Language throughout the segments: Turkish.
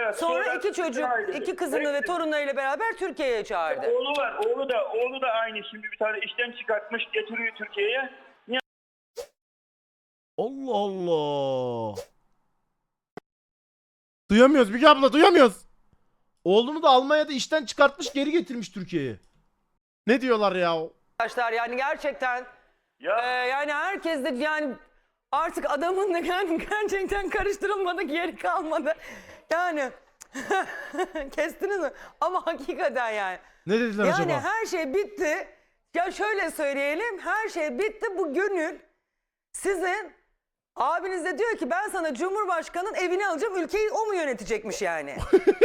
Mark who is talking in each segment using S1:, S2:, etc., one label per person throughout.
S1: Evet,
S2: Sonra iki çocuk,
S1: ayrıldı.
S2: iki kızını ve torunlarıyla beraber Türkiye'ye çağırdı.
S1: Oğlu var. Oğlu da aynı. Şimdi bir tane işten çıkartmış, getiriyor Türkiye'ye.
S3: Allah Allah. Duyamıyoruz Müge abla, duyamıyoruz. Oğlunu da Almanya'da işten çıkartmış, geri getirmiş Türkiye'ye. Ne diyorlar ya?
S2: Arkadaşlar yani gerçekten
S1: Ya
S2: yani herkes de yani artık adamın da yani gerçekten karıştırılmadık yeri kalmadı. Yani kestiniz mi? Ama hakikaten yani.
S3: Ne dediler
S2: Yani
S3: acaba?
S2: her şey bitti. Ya şöyle söyleyelim, her şey bitti. Bu gönül sizin abiniz de diyor ki ben sana Cumhurbaşkanı'nın evini alacağım, ülkeyi o mu yönetecekmiş yani?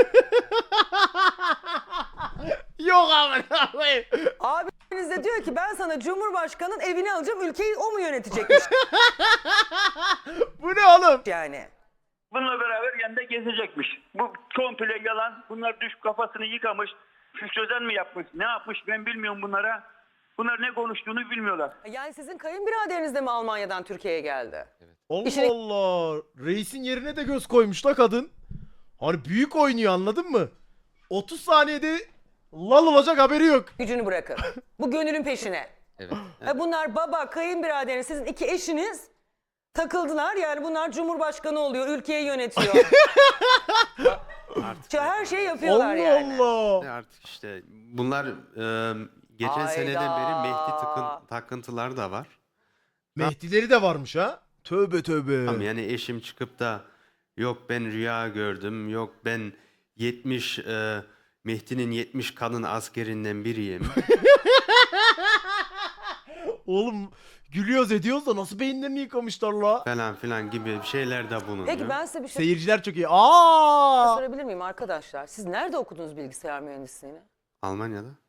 S3: Yok amına koyayım.
S2: Abiniz de diyor ki ben sana Cumhurbaşkanı'nın evini alacağım, ülkeyi o mu yönetecekmiş
S3: Bu ne oğlum?
S2: yani?
S1: bununla beraber yanında gezecekmiş. Bu komple yalan. Bunlar düş kafasını yıkamış. Füstözen mi yapmış? Ne yapmış ben bilmiyorum bunlara. Bunlar ne konuştuğunu bilmiyorlar.
S2: Yani sizin kayınbiraderiniz de mi Almanya'dan Türkiye'ye geldi?
S3: Allah
S2: İşine-
S3: Allah. Reisin yerine de göz koymuş la kadın. Hani büyük oynuyor, anladın mı? 30 saniyede lal olacak, haberi yok.
S2: Gücünü bırakın. Bu gönülün peşine.
S4: Evet.
S2: Bunlar baba, kayınbiraderiniz, sizin iki eşiniz takıldılar. Yani bunlar Cumhurbaşkanı oluyor, ülkeyi yönetiyor.
S4: Artık,
S2: Her şeyi yapıyorlar
S3: Allah
S2: yani.
S3: Allah.
S4: artık işte bunlar geçen
S2: Hayda.
S4: seneden beri takıntılar da var.
S3: Mehdileri de varmış ha. Tövbe tövbe.
S4: Tamam, yani eşim çıkıp da yok ben rüya gördüm, yok ben 70 Mehdi'nin 70 kadın askerinden biriyim.
S3: Oğlum gülüyoruz ediyoruz da nasıl beyinlerini yıkamışlar la.
S4: falan filan gibi şeyler de bulunuyor.
S2: Peki ben size bir şey
S3: Seyirciler çok iyi. Aa!
S2: sorabilir miyim arkadaşlar? Siz nerede okudunuz bilgisayar mühendisliğini?
S4: Almanya'da.